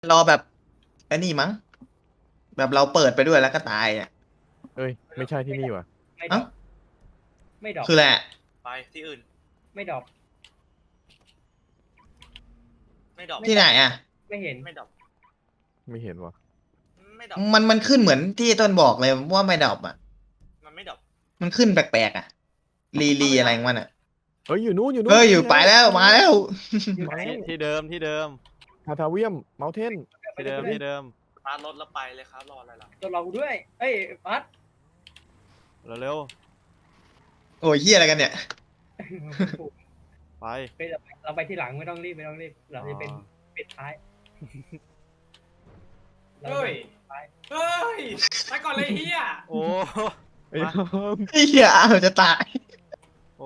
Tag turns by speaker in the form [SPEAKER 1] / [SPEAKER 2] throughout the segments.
[SPEAKER 1] รอแบบไอ้นี่มั้งแบบเราเปิดไปด้วยแล้วก็ตายอ่ะ
[SPEAKER 2] เอ้ยไม่ใช่ที่นี่ว่ะ
[SPEAKER 3] ไม่ดร
[SPEAKER 1] เอ้า
[SPEAKER 3] อปไม่ดรอป
[SPEAKER 1] คือแหละ
[SPEAKER 4] ไปที่อื่น
[SPEAKER 3] ไม่ดรอป
[SPEAKER 4] ไม่ดรอป
[SPEAKER 1] ที่ไหนอ่ะ
[SPEAKER 3] ไม่เห็น
[SPEAKER 4] ไม่ดรอป
[SPEAKER 2] ไม่เห็นว่ะ
[SPEAKER 4] ไม่ดรอป
[SPEAKER 1] มันขึ้นเหมือนที่ต้นบอกเลยว่าไม่ดรอปอ่ะ
[SPEAKER 4] มันไม่ดรอป
[SPEAKER 1] มันขึ้นแปลกๆอ่ะรีอะไรของมันอ่ะ
[SPEAKER 2] เฮ้ยอยู่นู้นอยู่นู้น
[SPEAKER 1] เฮ้ยอยู่ไปแล้วมาแล้ว
[SPEAKER 3] อยู่ไหน
[SPEAKER 5] ที่เดิมที่เดิม
[SPEAKER 2] ทาเวียมเมาเทน
[SPEAKER 5] ที่เดิมที่เดิม
[SPEAKER 4] พารถแล้วไปเลยครับรออะไรล่ะ
[SPEAKER 3] ตัวเราด้วยเอ้ยปัด
[SPEAKER 5] เร็ว
[SPEAKER 1] โอ้ยเฮียอะไรกันเนี่ย
[SPEAKER 5] ๆไป
[SPEAKER 3] เฮ้ยเราไปที่หลังไม่ต้องรีบไม่ต้องรีบเราจะเป็นปิดท้ายเรา
[SPEAKER 6] เฮ้ย
[SPEAKER 3] ไป
[SPEAKER 6] เฮ้ย ไปก่อนเลยเฮีย
[SPEAKER 5] โอ้
[SPEAKER 2] ไอ้
[SPEAKER 5] มา
[SPEAKER 1] ไอ้เฮียอ้าวจะตาย
[SPEAKER 5] โอ้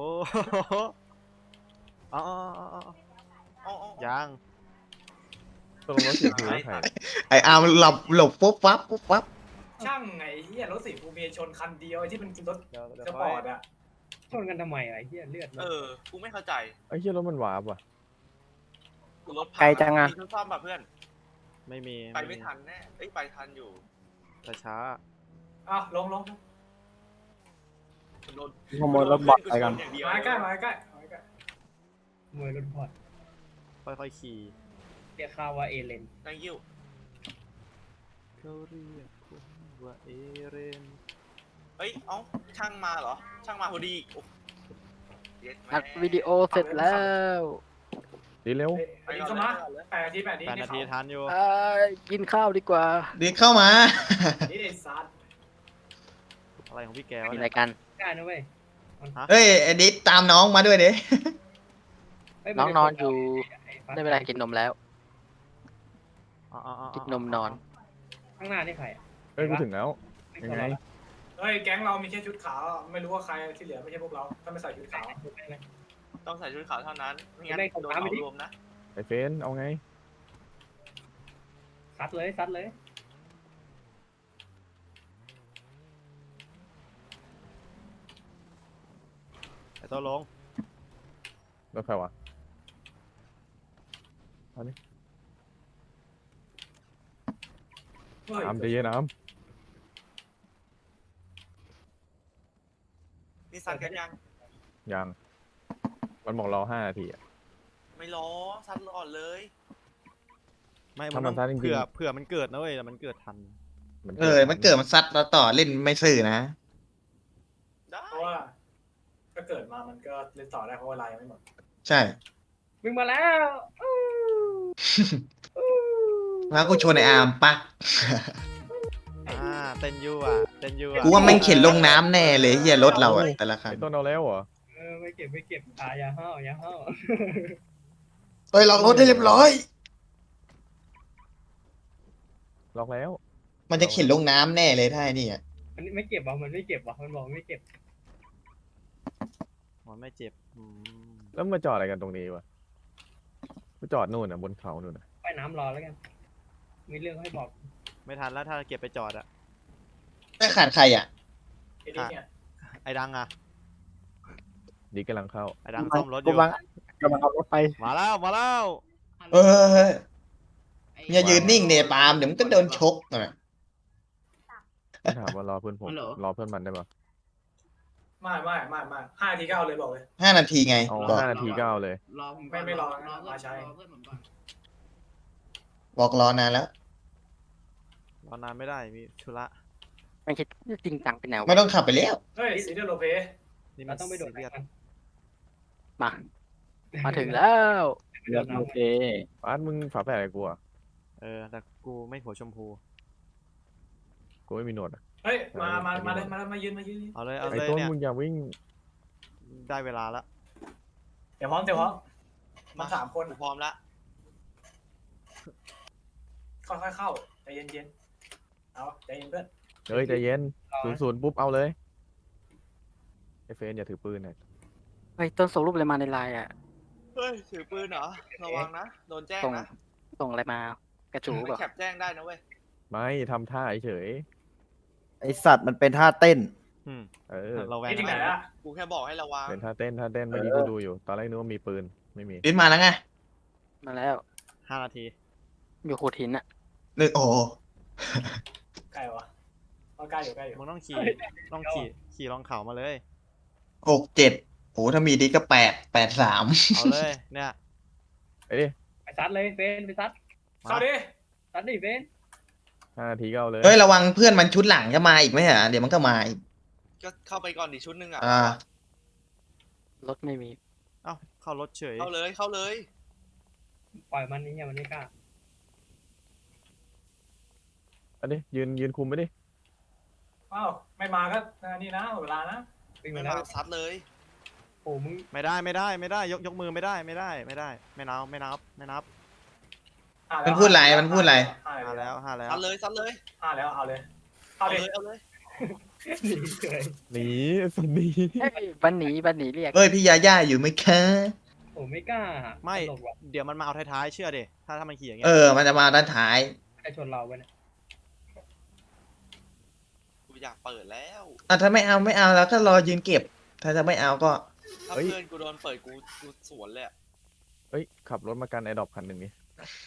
[SPEAKER 5] อ๋อ
[SPEAKER 4] อ๋อ
[SPEAKER 5] ยัง
[SPEAKER 2] ตกลงว่าเสียงคือใคร
[SPEAKER 1] ไอ้อาร์มหลบปุ๊บปั๊บปุ๊บปั๊บ
[SPEAKER 6] ช่างไงเฮียรถสีฟูเมียชนคันเดียวไอ้ที่มันรถ
[SPEAKER 5] เดี๋ยว
[SPEAKER 6] สปอร์ตอะ
[SPEAKER 3] ชนกันทำไมอะไอ้เหี้ยเลือดมัน
[SPEAKER 4] กูไม่เข้าใจ
[SPEAKER 2] ไอ้เหี้ยรถมันวาร์ปว่ะ
[SPEAKER 4] กูรถพัง
[SPEAKER 7] ไกลจังอะ
[SPEAKER 4] มีรถซ่อมป่ะเพื่อน
[SPEAKER 5] ไม่มี
[SPEAKER 4] ไปไม่ทันแน่เอ้ยไปทันอยู่
[SPEAKER 5] แต่ช้า
[SPEAKER 6] อ่ะลง
[SPEAKER 4] รถ
[SPEAKER 7] ขโมยรถบอทไปกัน
[SPEAKER 4] อย่างเดียว
[SPEAKER 6] มาใกล้มาใกล้มาใกล้
[SPEAKER 3] มวยรถพอด
[SPEAKER 5] ค่อยๆขี่
[SPEAKER 3] เรียกข้าวว่าเอเลน
[SPEAKER 4] นั่งยิ้ว
[SPEAKER 5] เขาเรียกคุณว่าเอเรน
[SPEAKER 4] เฮ้ยเอ้าช่างมาเหรอช่างมาพอดีโอ้เย็ดแม่
[SPEAKER 7] อัดวิดีโอเสร็จแล้ว
[SPEAKER 2] ดีเร็ว
[SPEAKER 6] อันนี้เข้ามา8 นาที
[SPEAKER 5] 8 นาทีทันอยู่
[SPEAKER 7] กินข้าวดีกว่า
[SPEAKER 1] ดิเข้ามา
[SPEAKER 6] นี่ไอ้ซัด
[SPEAKER 5] อะไรของพี่แกวะ
[SPEAKER 7] มี
[SPEAKER 5] เนี่
[SPEAKER 7] อะไร
[SPEAKER 5] ย
[SPEAKER 7] กัน
[SPEAKER 3] ได้นะเว้ย
[SPEAKER 1] เฮ้ยไอ้ดิตามน้องมาด้วยเด้
[SPEAKER 3] เฮ้ย
[SPEAKER 7] น้องนอนอยู่
[SPEAKER 3] ไอ้ปั
[SPEAKER 7] ได้เวลากินนมแล้ว
[SPEAKER 5] อ๋อ
[SPEAKER 7] กินนมนอน
[SPEAKER 3] ข้างหน้านี่ใครอะ
[SPEAKER 2] เฮ้ยกูถึงแล้ว
[SPEAKER 3] ไม่
[SPEAKER 2] ยัง
[SPEAKER 3] ใช่
[SPEAKER 2] ไง
[SPEAKER 3] เรา
[SPEAKER 6] เฮ้ยแก๊งเรามีแค่ชุดขาวไม่รู้ว่าใครที่เหลือไม่ใช่พวกเราถ้าไม่ใส่ชุดขาว
[SPEAKER 4] ต้องใส่ชุดขาวเท่านั้นไม่งั้นโดนเหมารวมนะ
[SPEAKER 2] ไอ้เฟนเอาไง
[SPEAKER 3] ซัดเลยซัดเลย
[SPEAKER 5] ไอ้ตัวลง
[SPEAKER 2] รถใครวะ
[SPEAKER 6] เฮ้ย
[SPEAKER 2] น้ำใจเย็นน้
[SPEAKER 4] นี่ซัดกันยัง
[SPEAKER 2] ำยังมันบอกรอ5 นาทีอ่ะ
[SPEAKER 4] ไม่ล้อซัดก่อนเลย
[SPEAKER 5] ไม่
[SPEAKER 2] ถ้ามัน
[SPEAKER 5] ต้อง
[SPEAKER 2] ทันจริงๆ
[SPEAKER 5] เผื่อมันเกิดนะเว้ยแต่มันเกิดทัน
[SPEAKER 1] มันเกิดมันซัดเราต่อเล่นไม่ซื่อนะ
[SPEAKER 4] ได้
[SPEAKER 6] เพราะว่าถ้าเกิดมามันก็เล่นต่อได้เพราะเวลายังไม่หมด
[SPEAKER 1] ใช่
[SPEAKER 3] วิ่งมาแล้วอู้อู้
[SPEAKER 1] แล้วกูชนไอ้อาร์มปัก
[SPEAKER 5] เต้นยู่อ่ะเต้นยู่อ่ะ
[SPEAKER 1] กูว่าแม่งเข็นลงน้ำแน่เลยเฮียรถเราอะแต่ละคัน
[SPEAKER 2] ไอ้ต้นเอาแล้วเหรอ
[SPEAKER 3] ไม่เก็บไม่เก็บอย่าห้าวอย่าห้าว
[SPEAKER 1] เฮ้ยล็อกรถให้เรียบร้อย
[SPEAKER 2] ล็อกแล้ว
[SPEAKER 1] มันจะเข็นลงน้ำแน่เลยถ้าไอ้นี่อ่ะ
[SPEAKER 3] มันไม่เก็บว่ะมันไม่เก็บว่ะมันบอกไม่เก็บ
[SPEAKER 5] มันไม่เจ็บ
[SPEAKER 2] แล้วมาจอดอะไรกันตรงนี้วะกูจอดนู่นอ่ะบนเขานู่นอ่ะ
[SPEAKER 3] ไปน้ำรอแล้วกัน มีเรื่องให้บอก
[SPEAKER 5] ไม่ทันแล้วถ้าเก็บไปจอดอะ
[SPEAKER 1] ไม่ขาดใครอ่ะ
[SPEAKER 6] ไอ้นี่เนี่ย
[SPEAKER 5] ไอ้ดังอะ
[SPEAKER 2] ดีกำลังเข้า
[SPEAKER 5] ไอ้ดังซ่อมรถอยู่
[SPEAKER 7] กำลังเอารถไป
[SPEAKER 5] มาแล้ว
[SPEAKER 1] เอออย่ายืนนิ่งเนปาล์มเดี๋ยวมันก็โดนชกอ่ะ
[SPEAKER 2] ไม่ถามว่ารอเพื่อนผมรอเพื่อนมันได้ปะ
[SPEAKER 6] ไม่5 นาทีก็เอาเลยบอกเลย
[SPEAKER 1] 5 นาทีไง
[SPEAKER 2] เอา
[SPEAKER 1] บอก
[SPEAKER 2] 5 นาทีก็เอาเลย
[SPEAKER 8] รอผม
[SPEAKER 6] ไม่รอ
[SPEAKER 8] รอเพื่อน
[SPEAKER 6] มาใช้
[SPEAKER 8] รอเพื่อนผมก่อน
[SPEAKER 1] บอกรอนานแล้ว
[SPEAKER 5] รอนานไม่ได้มีธุระ
[SPEAKER 7] ไม่ใช่จริงจังเป็นแนว
[SPEAKER 1] ไม่ต้องขับไปแล้ว
[SPEAKER 6] เฮ้ยซีเดอร์โลเป
[SPEAKER 5] นี่มั
[SPEAKER 3] เรา
[SPEAKER 5] น
[SPEAKER 3] ต้องไปโดด
[SPEAKER 5] ซีเรียส
[SPEAKER 3] กัน
[SPEAKER 7] มาถึงแล้ว
[SPEAKER 3] เดือดโอเค
[SPEAKER 2] อาร์ตมึงฝาแฝดอะไรกูอ่ะ
[SPEAKER 5] แต่กูไม่หัวชมพู
[SPEAKER 2] กูไม่มีหนวดอะ
[SPEAKER 6] เฮ้ยมาเลยมายืน
[SPEAKER 5] เอาเลย
[SPEAKER 2] ไอ้
[SPEAKER 5] เนี่ย
[SPEAKER 2] ต้นมึงอย่าวิ่ง
[SPEAKER 5] ได้เวลาละ
[SPEAKER 6] เดี๋ยวพร้อมมา3 คน
[SPEAKER 4] กูพร้อมละ
[SPEAKER 6] ค่อยๆเข้าใจเย็นๆเอาใจเย็นเพื่อน
[SPEAKER 2] เฮ้ยใจเย็น00ปุ๊บเอาเลยไอ้เฟนอย่าถือปืนหน่อย
[SPEAKER 7] เฮ้ยต้นส่งรูปอะไรมาในไลน์อ่ะ
[SPEAKER 4] เฮ้ยถือปืนเหรอระวังนะโดนแจ้ง
[SPEAKER 7] ส่ง
[SPEAKER 4] นะ
[SPEAKER 7] ส่งอะไรมากระจู
[SPEAKER 4] ไม่
[SPEAKER 7] แบบ
[SPEAKER 4] แคปแจ้งได้นะเว้ย
[SPEAKER 2] ไม่ทำท่าเฉย
[SPEAKER 9] ไอสัตว์มันเป็นท่าเต้น
[SPEAKER 2] เออ
[SPEAKER 5] เราแวง
[SPEAKER 6] นี่ที่ไหน
[SPEAKER 5] นะ
[SPEAKER 6] อะ
[SPEAKER 4] กูแค่บอกให้ระวัง
[SPEAKER 2] เป็นท่าเต้นเมื่อกี้กูดูอยู่ ตอนแรกนึกว่ามีปืนไม่มี
[SPEAKER 1] ลิ้นมาแล้วไง
[SPEAKER 7] มาแล้ว
[SPEAKER 5] 5 นาที
[SPEAKER 7] อยู่โขดหินอะ
[SPEAKER 1] นึกโอ้
[SPEAKER 6] ใกล้วะเอาใกล้อยู่ใกล้อยู่
[SPEAKER 5] มึงต้องขี่ลองเขามาเลย
[SPEAKER 1] 6 7โหถ้ามีดิสก็8 8 3
[SPEAKER 5] เอาเลยเนี่ย
[SPEAKER 2] ไปดิ
[SPEAKER 3] ไปซัดเลยเฟนไปซัด
[SPEAKER 6] เข้าดิ
[SPEAKER 3] ซัดดิเฟน
[SPEAKER 2] 5 นาทีก็เอาเลย
[SPEAKER 1] เฮ้ยระวังเพื่อนมันชุดหลังจะมาอีกไหมฮะเดี๋ยวมันก็มาอีก
[SPEAKER 4] ก็เข้าไปก่อนดิชุดหนึงอ่ะ
[SPEAKER 7] รถไม่มี
[SPEAKER 5] เอ้าเข้ารถเฉย
[SPEAKER 4] เข้าเลยเข้าเลย
[SPEAKER 3] ปล่อยมันนี่อย่ามันไม่กล้า
[SPEAKER 2] อันนี้ยืนคุมไปดิ
[SPEAKER 6] อ้าวไม่มาก็นี่นะหมดเวลานะ
[SPEAKER 3] วิ่ง
[SPEAKER 4] ไม่
[SPEAKER 3] มาแล้
[SPEAKER 4] มาว ซัดเลย
[SPEAKER 3] โอ้มึง
[SPEAKER 5] ไม่ได้ยกมือไม่ได้ไม่นับ
[SPEAKER 1] มันพูดอะไรมันพูดอะไร
[SPEAKER 5] ห้าแล้ว
[SPEAKER 4] ซัดเลยซัดเลย
[SPEAKER 6] ห้าแล้วเอาเลย
[SPEAKER 4] เอา
[SPEAKER 6] เอา
[SPEAKER 4] เล
[SPEAKER 6] เลย
[SPEAKER 4] ยเอาเลย
[SPEAKER 3] หนีเฉย
[SPEAKER 2] หนีสันนี
[SPEAKER 7] เฮ้ยบันหนีเรียก
[SPEAKER 1] เฮ้ยพี่ยาย่าอยู่ไหมคะ
[SPEAKER 3] โอ้ไม่กล้า
[SPEAKER 5] ไม่
[SPEAKER 3] ตลกว่ะ
[SPEAKER 5] เดี๋ยวมันมาเอาท้ายๆเชื่อดิถ้ามันขี่อย่างเงี้
[SPEAKER 1] เอย มันจะมาด้านท้าย
[SPEAKER 3] ใครชนเราไปเนี่ย
[SPEAKER 4] กูอยากเปิดแล้ว
[SPEAKER 1] ถ้าไม่เอาแล้วก็รอยืนเก็บ ถ้าจะไม่เอาก็
[SPEAKER 4] ถ้าเพื่อนกูโดนเปิดกูสวนเลยอะ
[SPEAKER 2] เฮ้ยขับรถมากันไอดอปคันหนึ่งนี่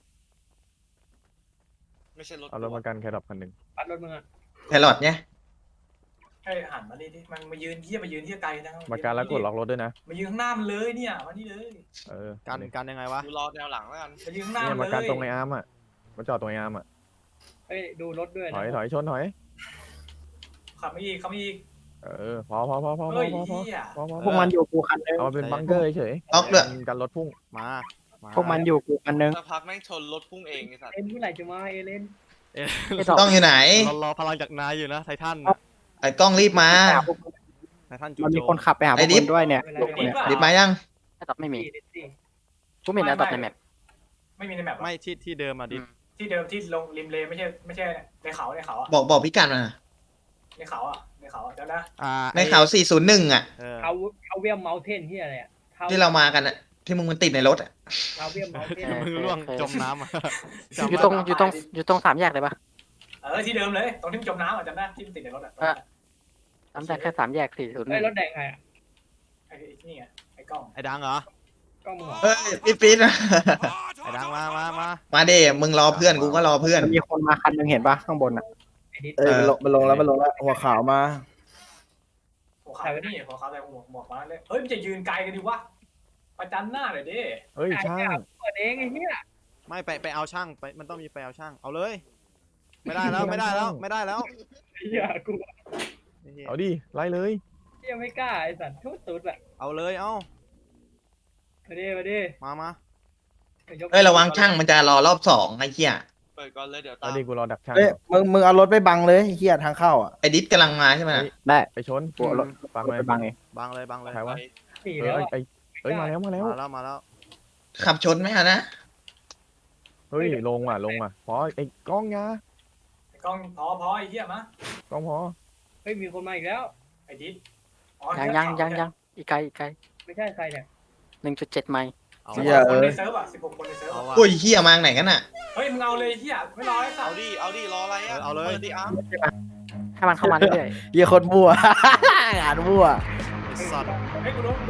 [SPEAKER 4] ไม่ใช่รถ
[SPEAKER 2] เอารถมากันแคดอปคันหนึ่ง
[SPEAKER 3] ปัดรถมึงอะ
[SPEAKER 1] แครอทเนี่ย
[SPEAKER 6] ให้หันมาดิมันมายืนที่ไกลนะ
[SPEAKER 2] มากันแล้วกดล็อกรถด้วยนะ
[SPEAKER 6] มายืนข้างหน้ามันเลยเนี่ยมานี่เลย
[SPEAKER 2] เออ
[SPEAKER 5] กันยังไงวะ
[SPEAKER 4] กูรอแนวหลังแล้วกัน
[SPEAKER 6] มายืนข้างหน้า
[SPEAKER 2] เนี่ย
[SPEAKER 6] มั
[SPEAKER 2] มาน
[SPEAKER 6] เล
[SPEAKER 2] กัน
[SPEAKER 6] ย
[SPEAKER 2] ตรงไออาร์มอ่ะมาจอดตรงไออาร์มอ่ะ
[SPEAKER 3] เฮ้ยดูรถด้วย
[SPEAKER 2] ถ
[SPEAKER 3] นะ
[SPEAKER 2] อยชนถอย
[SPEAKER 6] ขับไม่อีกขับไม่อีก
[SPEAKER 2] เออพอ
[SPEAKER 6] เฮ้ยเหี้ย
[SPEAKER 9] พวกมันอยู่กูคันนึง
[SPEAKER 2] เอามาเป็นบังเกอร์เฉย
[SPEAKER 1] ล็อกด้วย
[SPEAKER 2] กันรถพุ่ง
[SPEAKER 5] มา
[SPEAKER 9] พวกมันอยู่กูคันนึง
[SPEAKER 4] สักพักแม่งชนรถพุ่งเองไอ้สัตว์
[SPEAKER 3] เอ็นเมื่อไหร่จะมาเอเลน
[SPEAKER 7] ไอ้ดอก
[SPEAKER 1] ต้องอยู่ไหน
[SPEAKER 5] รอพลังจากนายอยู่นะไททัน
[SPEAKER 1] ไอ้กล้องรีบมา
[SPEAKER 5] ไททันจู
[SPEAKER 9] มัน
[SPEAKER 5] โจ
[SPEAKER 9] มีคนขับไปหาพวกมันด้วยเนี่ย
[SPEAKER 1] รีบมายัง
[SPEAKER 7] ไอ้ดอกไม่มี
[SPEAKER 3] ดิ
[SPEAKER 7] กูไม่เห็นไอ้ดอกในแมป
[SPEAKER 6] ไม่มีในแมป
[SPEAKER 5] ไม่ที่เดิมอะดิ
[SPEAKER 6] ที่เดิมที่ลงริมเลไม่ใช่ในเขาอ่ะ
[SPEAKER 1] บอกพิกัดมา
[SPEAKER 6] ในเขาอ่ะเดี๋ยวนะ
[SPEAKER 1] ในเขา401อ่ะ
[SPEAKER 3] เขาเวียมเมาเทนที่อะไรอะ
[SPEAKER 1] ที่เรามากันอ่ะ ที่มึงมันติดในรถอ่ะ
[SPEAKER 3] เขาเวียมเมาเทน
[SPEAKER 5] มึงล่วงจมน้ำอะ
[SPEAKER 7] อยู่ตรงสามแยกเลยปะ
[SPEAKER 6] ที่เดิมเลยตรงที่จมน้ำอ่ะจำได้ที่มันติดในรถอ่ะ
[SPEAKER 7] จำได้แค่3 แยก 401
[SPEAKER 3] เฮ้ยรถแดงใครอะ
[SPEAKER 6] ไอ้นี่ไงไอ้กล้อง
[SPEAKER 5] ไอ้ดังเหรอ
[SPEAKER 3] ก็มึงเหรอ
[SPEAKER 1] เฮ้ยปี๊ดนะ
[SPEAKER 5] ไอ้ดังมา
[SPEAKER 1] มาเด้มึงรอเพื่อนกูก็รอเพื่อน
[SPEAKER 9] มันมีคนมาคันนึงเห็นปะข้างบนอ่ะ
[SPEAKER 3] ไอ้นิด
[SPEAKER 9] เออมันลงแล้วหัวขาวมา
[SPEAKER 6] หัวขาวนี่หัวขาวแต่หมวกมาเลยเฮ้ยมันจะยืนไกลกันดิวะประจันหน้าหน่อยดิ
[SPEAKER 2] เฮ้ยช่าง
[SPEAKER 3] เปิดเองไอ้เหี้ย
[SPEAKER 5] ไม่ไปเอาช่างไปมันต้องมีไปเอาช่างเอาเลย ไม่ได้แล้ว
[SPEAKER 3] เหี้ยกู
[SPEAKER 2] เอาดิไล่เลย
[SPEAKER 3] เหี้ยไม่กล้าไอ้สัตว์ทุบตุ๊ดอะ
[SPEAKER 5] เอาเลยเอา
[SPEAKER 3] มาดิ
[SPEAKER 5] มา
[SPEAKER 1] เฮ้ยระวังช่างมันจะรอรอบ2ไอ้เหี้ย
[SPEAKER 4] เปิดก่อนเลยเดี๋ยวตา
[SPEAKER 2] เอา
[SPEAKER 4] ม
[SPEAKER 2] ดิกูรอดักช่าง
[SPEAKER 9] เฮ้ยมึงเอารถไปบังเลยเฮียทางเข้าอ่ะ
[SPEAKER 1] ไอ้ดิสกำลังมาใช่ไหม
[SPEAKER 9] ได้
[SPEAKER 2] ไปชน
[SPEAKER 9] กูเอารถ
[SPEAKER 2] ฟัง
[SPEAKER 9] ไป
[SPEAKER 2] เลย
[SPEAKER 9] บังเอง
[SPEAKER 5] บังเลย
[SPEAKER 2] ใครวะ
[SPEAKER 4] ไป
[SPEAKER 3] หนี
[SPEAKER 2] เอ
[SPEAKER 3] แล้ว
[SPEAKER 2] อ
[SPEAKER 3] อะ
[SPEAKER 2] เอ้ยมาแล้ว
[SPEAKER 5] มาแล้ว
[SPEAKER 1] ขับชนไหมอะนะ
[SPEAKER 2] เฮ้ยลงว่ะพอไอ้กล้องยา
[SPEAKER 6] ไอ้กล้องพอไอ้เหี้ยมะ
[SPEAKER 2] กล้องพอ
[SPEAKER 3] เฮ้ยมีคนมาอีกแล้ว
[SPEAKER 6] ไอ้ดิส
[SPEAKER 7] ยังอีกไกล
[SPEAKER 3] ไม่ใช่ใครเนี่ย
[SPEAKER 7] 1.7 ไมล์
[SPEAKER 5] เอา
[SPEAKER 9] เหี้ย
[SPEAKER 6] คนในเซิร์ฟอ่ะ16 คนในเซิร์ฟ
[SPEAKER 5] เอาว่ะ
[SPEAKER 1] โอ้ยเหี้ยมาไหนกันอ่ะ
[SPEAKER 6] เฮ้ยมึงเอาเลยเหี้ยไม่รอไอ้สั
[SPEAKER 4] เอา
[SPEAKER 6] ตว์
[SPEAKER 4] ดิรออะไรอ่ะ
[SPEAKER 5] เอาเลย
[SPEAKER 4] ปิดดิอาร์ม
[SPEAKER 7] ให้มันเข้ามาเรื่อย
[SPEAKER 9] เฮียคนมั่ว งานมั่ว
[SPEAKER 5] ไอ้สัตว์
[SPEAKER 6] เฮ้ยกูโดน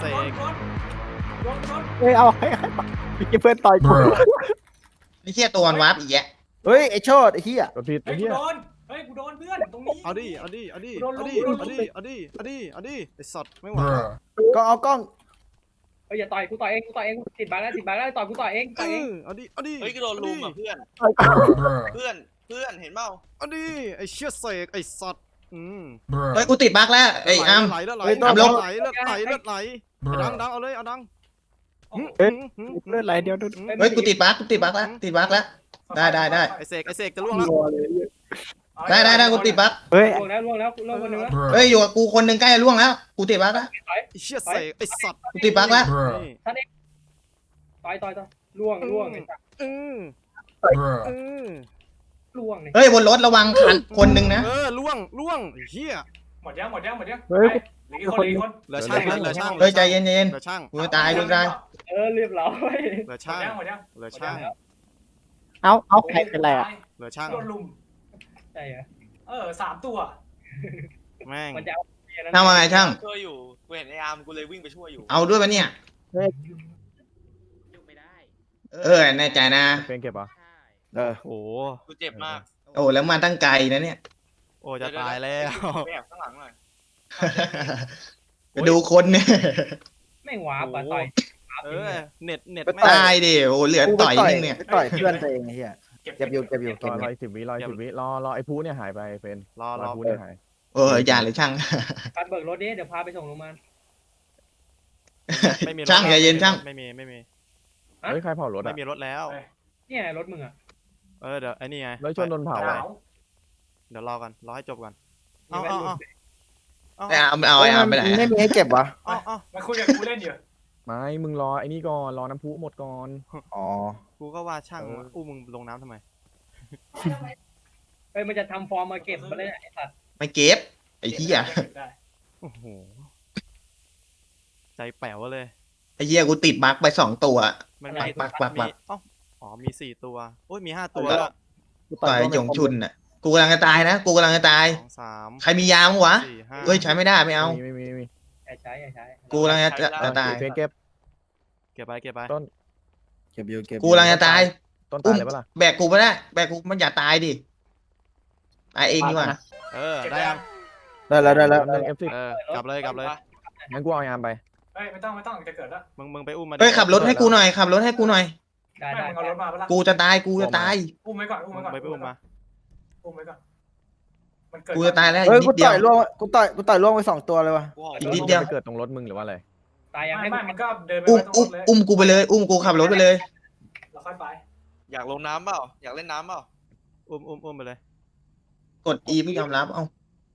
[SPEAKER 9] เฮ้ยเอาให้พี่เพื่อนต่อยกู
[SPEAKER 1] ไอ้เหี้ยตัวมันวาร์ปอีกแยะ
[SPEAKER 9] เฮ้ยไอ้โชดไอ้เฮีย
[SPEAKER 2] กดผิด
[SPEAKER 6] เฮ้
[SPEAKER 2] ไอ้
[SPEAKER 6] ย
[SPEAKER 2] เหี้ย
[SPEAKER 6] กูโดนเพื่อนตรงนี้
[SPEAKER 5] เอาดิไอ้สัตว์ไม่ไหว
[SPEAKER 9] ก็เอากล้อง
[SPEAKER 3] เฮ้ยอย่าต่อยกูต่อยเองติดบาแล้วต่อยกูต่อยเอง
[SPEAKER 5] เอาดิ
[SPEAKER 4] เฮ้ยกูโดนลุมอ่ะเพื่อนเพื่อนเห็นเปล่า
[SPEAKER 5] เอาดิไอ้เชี่ยเสกไอ้สัตว์
[SPEAKER 1] เฮ้ยกูติดบั๊กแล้วไอ้อ้ำ
[SPEAKER 5] ไหลเลือดไหล
[SPEAKER 1] อ้ำลง
[SPEAKER 5] ดังเอาเลยเอาดัง
[SPEAKER 9] เลือดไหลเดียวดู
[SPEAKER 1] เฮ้ยกูติดบั๊กแล้ว ได้
[SPEAKER 5] ไอ้เสกจะล่วงแล้ว
[SPEAKER 1] ได้กูติดบั๊ก
[SPEAKER 9] เฮ้ย
[SPEAKER 3] ล่วงแล้วคนนึงแล้ว
[SPEAKER 1] เฮ้ยอยู่กับกูคนหนึ่งใกล้จะล่วงแล้วกูติดบั๊กแล้ว
[SPEAKER 5] ไอ้เชี่ยเสกไอ้สัตว์
[SPEAKER 1] กูติดบั๊กแล้ว
[SPEAKER 3] ต่อยล่วงไอ้สัตว์ล่วงเนี่ย
[SPEAKER 1] เฮ้ยบนรถระวังคันคนหนึ่งนะ
[SPEAKER 5] ล่วงเฮีย
[SPEAKER 6] หมดยัง
[SPEAKER 9] เฮ้ย
[SPEAKER 6] เหลือกี่คน
[SPEAKER 5] เหลือช่าง
[SPEAKER 1] เฮ้ยใจเย็น
[SPEAKER 5] เหลือช่าง
[SPEAKER 1] กูจะตาย
[SPEAKER 3] เรียบร้อย
[SPEAKER 5] เหลือช่าง
[SPEAKER 6] หมดยัง
[SPEAKER 5] เหลือช่าง
[SPEAKER 9] เอาใครเป็นไรอ่ะ
[SPEAKER 5] เหลือช่าง
[SPEAKER 6] โดนลุม
[SPEAKER 3] ใช่เหรอ
[SPEAKER 6] 3 ตัว
[SPEAKER 5] แม่ง
[SPEAKER 3] มันจะเอา
[SPEAKER 1] ทำอะไรช่าง
[SPEAKER 4] ช่วยอยู่กูเห็นไอ้อาร์มกูเลยวิ่งไปช่วยอยู่
[SPEAKER 1] เอาด้วยปะเนี่ยแน่ใจนะ
[SPEAKER 2] เป็นเก็บเหรอ
[SPEAKER 5] โอ้
[SPEAKER 4] กูเจ็บมาก
[SPEAKER 1] โอ้แล้วมาตั้งไกลนะเนี่ย
[SPEAKER 5] โอ้จะตายแล้ว
[SPEAKER 4] ไปแอบข้างหลังหน่อย
[SPEAKER 1] ไปดูคนเนี่ย
[SPEAKER 3] แม่งวาร์ปอะต่อย
[SPEAKER 5] เออเน็ตแม่ง
[SPEAKER 1] ตายดิโอ้เหลือต่อยนึงเนี่ย
[SPEAKER 9] ไปต่อยเพื่อนตัวเองไอ้เหี้ยเก็บอยู่เก็บอยู่
[SPEAKER 2] ร
[SPEAKER 9] เก็บ
[SPEAKER 2] อ
[SPEAKER 9] อยู่
[SPEAKER 2] อีก10 วิรออีก10 วิรอไอ้ผู้เนี่ยหายไปเฟน
[SPEAKER 5] รอ
[SPEAKER 2] รอผู้เนี่ยหาย
[SPEAKER 1] เอออย่าเลยช่าง
[SPEAKER 3] การเบิกรถดิเดี๋ยวพาไปส่งโรงพยาบาล
[SPEAKER 5] ไม่มีรถ
[SPEAKER 1] ช่างใจเย็นช่าง
[SPEAKER 5] ไม่มี
[SPEAKER 2] เฮ้ยใครเผารถ
[SPEAKER 5] ไม่
[SPEAKER 2] อ่ะ
[SPEAKER 5] มีรถแล้ว
[SPEAKER 3] เนี่ยรถมึงอะ
[SPEAKER 5] เดี๋ยวไอ้นี่ไง
[SPEAKER 2] รถชนโดนเผา
[SPEAKER 6] ห
[SPEAKER 2] อ่ะ
[SPEAKER 6] นาว
[SPEAKER 5] เดี๋ยวรอกันรอให้จบก่อน
[SPEAKER 3] มีแว่นหลุด
[SPEAKER 5] เอา
[SPEAKER 1] ไอ้อาร์มไปไหน
[SPEAKER 9] ไม่มีให้เก็บวะ
[SPEAKER 5] เอา
[SPEAKER 6] มาคุยกับกูเล่นอยู่
[SPEAKER 2] ไม่มึงรอไอ้นี่ก่อนรอน้ำพุหมดก่อน
[SPEAKER 9] อ๋อ
[SPEAKER 5] กูก็ว่าช่างอู้มึงลงน้ำทำไม
[SPEAKER 3] เฮ้ยมันจะทำฟอร์มมาเก็บมาเลยไอ้สัตว์
[SPEAKER 1] ไม่เก็บไอ้เหี้ย
[SPEAKER 6] ได้
[SPEAKER 5] โอ้โหใจแป๋วเลย
[SPEAKER 1] ไอ้เหี้ยกูติดบั๊กไป2 ตัว
[SPEAKER 5] มัน
[SPEAKER 1] ปั
[SPEAKER 5] มี
[SPEAKER 1] กปักปักปัก
[SPEAKER 5] อ๋อมี4 ตัวโอ้ยมี5 ตัว
[SPEAKER 9] กู
[SPEAKER 1] ต่อย
[SPEAKER 9] ร่วม
[SPEAKER 1] หยงชุนน่ะกูกำลังจะตายนะกูกำลังจะตาย
[SPEAKER 5] 2 3
[SPEAKER 1] ใครมียามั้งวะ
[SPEAKER 5] 4 5
[SPEAKER 1] เฮ้ยใช้ไม่ได้ไม่เอา
[SPEAKER 2] ไม่มี
[SPEAKER 3] อย่าใช้อย่าใช้
[SPEAKER 1] กูกำลังจะตาย
[SPEAKER 2] เฟนเก็บ
[SPEAKER 5] เก็บไป
[SPEAKER 9] เก็บอยู่เก็บ
[SPEAKER 1] กูกำลังจะตาย
[SPEAKER 2] ต้นตายเลยปะล่ะ
[SPEAKER 1] แบกกูไม่ได้แบกกูมันอย่าตายดิตายเองดีกว่า
[SPEAKER 5] ได้ยัง
[SPEAKER 9] ได้แล้วได้แล้ว
[SPEAKER 2] หนึ่ง F10
[SPEAKER 5] กลับเลย
[SPEAKER 2] งั้นกูเอายามไป
[SPEAKER 6] เฮ้ยไม่ต้องจะเกิดแล้ว
[SPEAKER 5] มึงไปอุ้มมา
[SPEAKER 1] เฮ้ยขับรถให้กูหน่อยขับรถให้กูหน่อย
[SPEAKER 3] ได้
[SPEAKER 6] ไม่
[SPEAKER 3] ได้
[SPEAKER 6] มึงเอารถมาปะล่ะ
[SPEAKER 1] กูจะตายกูจะตาย
[SPEAKER 6] อุ้มไว้ก่อน
[SPEAKER 5] มึงไปอุ้มมา
[SPEAKER 6] อุ้มไว้ก่อนมันเกิด
[SPEAKER 1] กูจะตายแล้ว
[SPEAKER 9] เฮ้ย
[SPEAKER 1] นิ
[SPEAKER 9] กู
[SPEAKER 1] ดเดีย
[SPEAKER 9] ต่
[SPEAKER 1] ว
[SPEAKER 9] อยล่วงกูต่อยล่วงไป2 ตัวเลยวะ
[SPEAKER 4] กูออก
[SPEAKER 1] อีกนิดเดียว
[SPEAKER 2] ไปเกิดตรงรถมึงหรือว่าอะไร
[SPEAKER 3] ตายยังให้
[SPEAKER 6] ไม่
[SPEAKER 3] มึง
[SPEAKER 6] มันก็เดินไป
[SPEAKER 1] อุ้ม
[SPEAKER 6] ไว้ตรง
[SPEAKER 1] อุ้ม
[SPEAKER 6] รถเลย
[SPEAKER 1] อุ้มกูไปเลย อุ้มกูขับรถไปเลย
[SPEAKER 6] เราค่อยไป
[SPEAKER 4] อยากลงน้ำเปล่าอยากเล่นน้ำเปล่า
[SPEAKER 5] อุ้มไปเลย
[SPEAKER 1] กด E ไม่ยอมรับเอ้า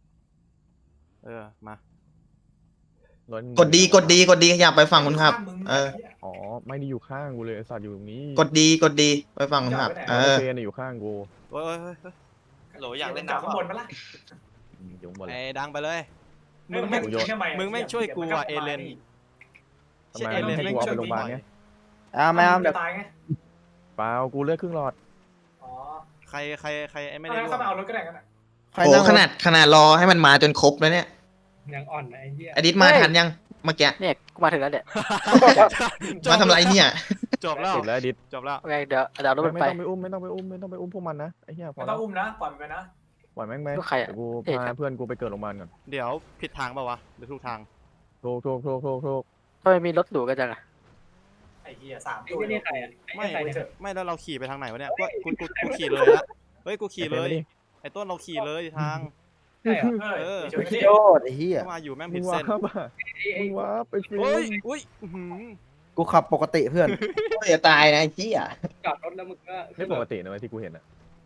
[SPEAKER 5] มา
[SPEAKER 2] รถมึง
[SPEAKER 1] กดดีอยากไปฝั่งคนขับ เออ
[SPEAKER 2] อ๋อไม่ได้อยู่ข้างกูเลยไอ้สัตว์อยู่ตรงนี้
[SPEAKER 1] กดดีไปฝั่งคนขับ เออ
[SPEAKER 2] เฟนอยู่ข้างกู
[SPEAKER 5] โอ้ย
[SPEAKER 4] โหลอยากเล่น
[SPEAKER 6] จาก
[SPEAKER 4] น้ำ
[SPEAKER 6] ข้าง
[SPEAKER 4] เป
[SPEAKER 6] บ
[SPEAKER 4] ล่าน
[SPEAKER 6] ปะล่ะ
[SPEAKER 2] อยู่บนเล
[SPEAKER 5] ไอ้
[SPEAKER 2] ย
[SPEAKER 5] ดังไปเลย
[SPEAKER 6] มึงไม่ทำไม
[SPEAKER 5] มึงไม่ช่วยกูอ่ะเอเลน
[SPEAKER 2] ทำไมไม่ให้กูเอาไปโรงพยาบาลเนี่ย
[SPEAKER 9] ไม่เอาเดี๋ยว
[SPEAKER 6] ตายไง
[SPEAKER 2] เปล่ากูเลือดครึ่งหลอด
[SPEAKER 6] อ๋อ
[SPEAKER 5] ใครไอ้ไม่
[SPEAKER 6] ไม่
[SPEAKER 5] ได้
[SPEAKER 6] ได้เข้ามาเอารถก็ได้กันนะ
[SPEAKER 9] ใคร
[SPEAKER 1] โอ้
[SPEAKER 9] นั่ง
[SPEAKER 1] ขนาดรอให้มันมาจนครบแล้วเนี่ย
[SPEAKER 3] ยังอ่อนนะไอ้เหี้ย
[SPEAKER 1] อดิตมาทันยังเมื่อกี้
[SPEAKER 7] เนี่ยกูมาถึงแล้วเนี่ย
[SPEAKER 1] มาทำไรเนี่ย
[SPEAKER 5] จบแล้ว
[SPEAKER 2] ติดแล้วดิด
[SPEAKER 5] จบแล้ว
[SPEAKER 7] โอเคเดี๋ยวเอารถมัน
[SPEAKER 2] ไม่
[SPEAKER 7] ไป
[SPEAKER 2] ต้องไปอุ้มไม่ต้องไปอุ้มพวกมันนะไอ้เหี้ยพอ
[SPEAKER 6] ไม่ต้
[SPEAKER 2] แล้
[SPEAKER 6] อ
[SPEAKER 2] ว
[SPEAKER 6] งอุ้มนะปล่อยมันไปนะ
[SPEAKER 2] ปล่อยแม่งไหม
[SPEAKER 7] ลูกใครอะ
[SPEAKER 2] เดี๋ยวกู
[SPEAKER 7] เอ๊ะ
[SPEAKER 2] พาเพื่อนกูไปเกิดโรงพยาบาลก่อน
[SPEAKER 5] เดี๋ยวผิดทางป่าวะหรือถูกทาง
[SPEAKER 2] ถูก
[SPEAKER 7] ทำไมมีรถหรูกันจังอะ
[SPEAKER 6] ไอ้เหี้ย3
[SPEAKER 3] ไอ้
[SPEAKER 6] ตัว
[SPEAKER 3] เหี้ยนี่ใครอะไอ้
[SPEAKER 5] ไม่
[SPEAKER 3] ใครเนี่ย
[SPEAKER 5] ไม่แล้วเราขี่ไปทางไหนวะเนี่ยกูขี่เลยละเฮ้ยกูขี่เลย ไอ้ต้นเราขี่เลยทาง
[SPEAKER 3] ใช่เหรอ
[SPEAKER 6] เออ
[SPEAKER 9] โยดไอ้เหี้ย
[SPEAKER 5] เข้ามาอยู่แม่ง
[SPEAKER 2] มึ
[SPEAKER 5] ผิ
[SPEAKER 2] ง
[SPEAKER 5] ด
[SPEAKER 2] ว้า
[SPEAKER 5] เส้น
[SPEAKER 2] บอ่ะ
[SPEAKER 3] ไอ้
[SPEAKER 2] มึงว้าบไปฟิ
[SPEAKER 5] เฮ้ย
[SPEAKER 2] ล์ม
[SPEAKER 5] อุ้ยอื้อหือ
[SPEAKER 9] กูขับปกติเพื่อน
[SPEAKER 1] จะตายนะไอ้เหี้ย
[SPEAKER 3] จอดรถแล้วมึงก็
[SPEAKER 2] ไม่ปกตินะเว้ยที่กูเห็นอ่ะ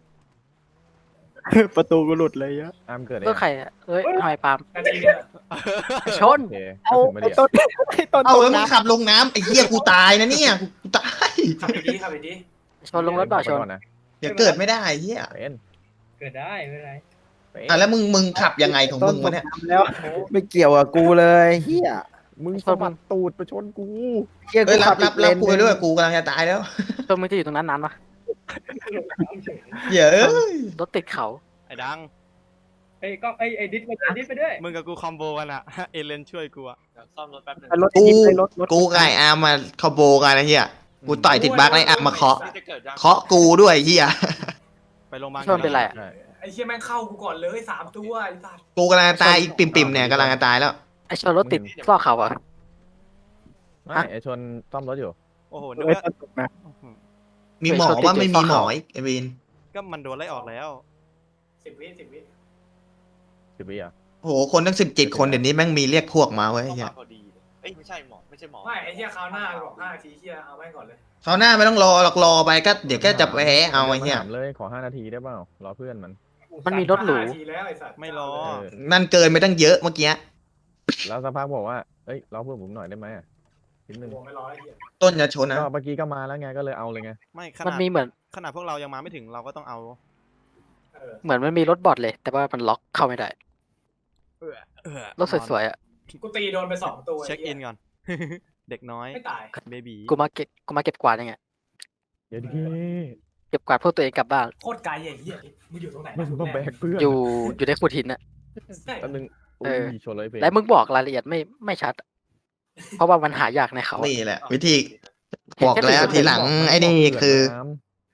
[SPEAKER 9] ประตูกูหลุดเลยอะ
[SPEAKER 2] อามเกิด
[SPEAKER 7] รถใครอะเอ้ยทำไมปาล์ม
[SPEAKER 6] นาทีเนี่ย
[SPEAKER 7] ชน
[SPEAKER 2] โอเค
[SPEAKER 9] เอา
[SPEAKER 2] ไม่
[SPEAKER 9] ไอ้
[SPEAKER 2] ได้
[SPEAKER 9] ต้นไอ้ต้น
[SPEAKER 1] เอา
[SPEAKER 9] ตก
[SPEAKER 1] แล้วมึง
[SPEAKER 9] น้
[SPEAKER 1] ขับลงน้ำไอ้เหี้ยกูตายนะเนี่ยกูตาย
[SPEAKER 6] ขับไปดีขับไปดี
[SPEAKER 7] ชนลงรถเปล่าชน
[SPEAKER 2] ก่อนนะ
[SPEAKER 1] เดี๋ยวเกิดไม่ได้ไอ้เหี้ย
[SPEAKER 2] เป็น
[SPEAKER 3] เกิดได้ไม่เป็นไร
[SPEAKER 1] อ่ะแล้วมึงขับยังไงของ
[SPEAKER 9] ำต้
[SPEAKER 1] มึ
[SPEAKER 9] น
[SPEAKER 1] ง
[SPEAKER 9] ต
[SPEAKER 1] วะ
[SPEAKER 9] ก
[SPEAKER 1] เนี่ย
[SPEAKER 9] น้ำแล้ว ไม่เกี่ยวกับกูเลยเหี้ย
[SPEAKER 2] มึงสะบัดตูดไปชนกู
[SPEAKER 9] เหี้ย
[SPEAKER 1] เฮ้ย
[SPEAKER 9] กู
[SPEAKER 1] รั
[SPEAKER 9] ขั
[SPEAKER 1] บบ
[SPEAKER 9] อีกเลน
[SPEAKER 1] กูไปด้วยกูกำลังจะตายแล้ว
[SPEAKER 7] ชนมึงจะอยู่ตรงนั้นนานปะ
[SPEAKER 1] เหี้ยเอ้ย
[SPEAKER 7] รถติดเขา
[SPEAKER 5] ไอ้ดัง
[SPEAKER 3] ไอ้ก็ไอ้ดิสไปด้วย
[SPEAKER 5] มึงกับกูคอมโบกันอะเอเลนช่วยกูอะ
[SPEAKER 4] เดี๋ยวซ่อมรถแป๊บนึง
[SPEAKER 9] ไอ้รถจิ๊บไอ้รถ
[SPEAKER 1] กูกับไอ้อาร์มมาคอมโบกันนะเหี้ยกูต่อยติดบั๊กไอ้อาร์มมาเคาะ
[SPEAKER 4] นี่จะเกิดยัง
[SPEAKER 1] เคาะกูด้วยไอ้เหี้ย
[SPEAKER 5] ไปโรงพยาบาล
[SPEAKER 7] ชนเป็นไรอะ
[SPEAKER 2] ใช่
[SPEAKER 6] ไอ้เหี้ยแม่งเข้ากูก่อนเลย3 ตัวไอ้สัส
[SPEAKER 1] กูกำลังจะตายอีกปิ่มๆเนี่ยกำลังจะตายแล้ว
[SPEAKER 7] ไอชนรถติดซอกเขาอะ
[SPEAKER 2] ไม่ไอชนซ่อมรถอยู่
[SPEAKER 5] โอ้โหนึก
[SPEAKER 9] ไอ้
[SPEAKER 5] ว่า
[SPEAKER 9] ต้นตกน้
[SPEAKER 1] มีหมอว่าไม่มีหมออีกไอ้วิน
[SPEAKER 5] ก็มันโดนไล่ออกแล้ว
[SPEAKER 6] 10 วิ
[SPEAKER 2] 10 วิอ่ะ
[SPEAKER 1] โหคนตั้ง17 คนเดี๋ยวนี้แม่งมีเรียกพวกมาไว้ไอ้
[SPEAKER 4] เข้า
[SPEAKER 1] เหี้
[SPEAKER 4] มาย พอดีเลยเอ้ยไม่ใช่หมอไม่ใช่หมอ
[SPEAKER 6] ไม่ไอ้เหี้ยคราวหน้าบอก5 นาทีเหี้ยเอาแม่งก่อนเลย
[SPEAKER 1] คราวหน้าไม่ต้องรอหรอกรอไปก็เดี๋ยวก็จะแพ้เอาไอ้เหี้ย
[SPEAKER 2] ถามเลยขอ5 นาทีได้เปล่ารอเพื่อนมัน
[SPEAKER 7] มันมีรถหรู
[SPEAKER 6] 5 นาทีแล้วไอ้สัส
[SPEAKER 5] ไม่รอ
[SPEAKER 2] เออ
[SPEAKER 1] นั่นเกินไปตั้งเยอะเมื่อกี้
[SPEAKER 2] แล้วสักพักบอกว่าเอ้ยรอเพื่อนผมหน่อยได้ไหมอ่ะนิดนึง
[SPEAKER 6] โอ้ไม่รอไอ้เหี้ย
[SPEAKER 1] ต้นจะชนนะ
[SPEAKER 2] ก็เมื่อกี้ก็มาแล้วไงก็เลยเอาเลยไง
[SPEAKER 5] ไม่ข
[SPEAKER 7] มัน
[SPEAKER 5] นาด
[SPEAKER 7] มีเหมือน
[SPEAKER 5] ขนาดพวกเรายังมาไม่ถึงเราก็ต้องเอา
[SPEAKER 6] เออ
[SPEAKER 7] เหมือนมันมีรถบอดเลย แต่ว่ามันล็อกเข้าไม่ได้ รถสวยๆอะ
[SPEAKER 6] กูตีโดนไป2 ตัว
[SPEAKER 5] เช็คอินก่อน เด็กน้อย
[SPEAKER 6] ไม่ตาย
[SPEAKER 5] เบบี
[SPEAKER 7] กูมาเก็บกวาดยังไง
[SPEAKER 2] เดี๋ยวดิ
[SPEAKER 7] เก็บกวาดพวกตัวเองกลับบ้าน
[SPEAKER 6] โคตรไกลไอ้เหี้ยมึงอยู่ตรงไหน
[SPEAKER 2] มึงต้องแบกเพื่อน
[SPEAKER 7] อยู่ในขุดหินอะ
[SPEAKER 6] ใช่
[SPEAKER 2] แป๊บนึง
[SPEAKER 7] เออ
[SPEAKER 2] ชนเลยเฟน
[SPEAKER 7] และมึงบอกรายละเอียดไม่ชัด เพราะว่ามันหายากในเขาอะ
[SPEAKER 1] นี่แหละ วิธี
[SPEAKER 7] เห็น
[SPEAKER 1] บอก
[SPEAKER 7] แค่
[SPEAKER 1] แล้ว
[SPEAKER 7] จุด
[SPEAKER 1] ทีหลังไอ้นี่คือ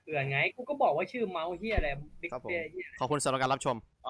[SPEAKER 3] เผื่อไงกูก็บอกว่าชื่อเมาส์เฮียอะไรบิ๊ก
[SPEAKER 5] ครับผม
[SPEAKER 3] เฮีย
[SPEAKER 5] ขอบคุณสำหรับการรับชม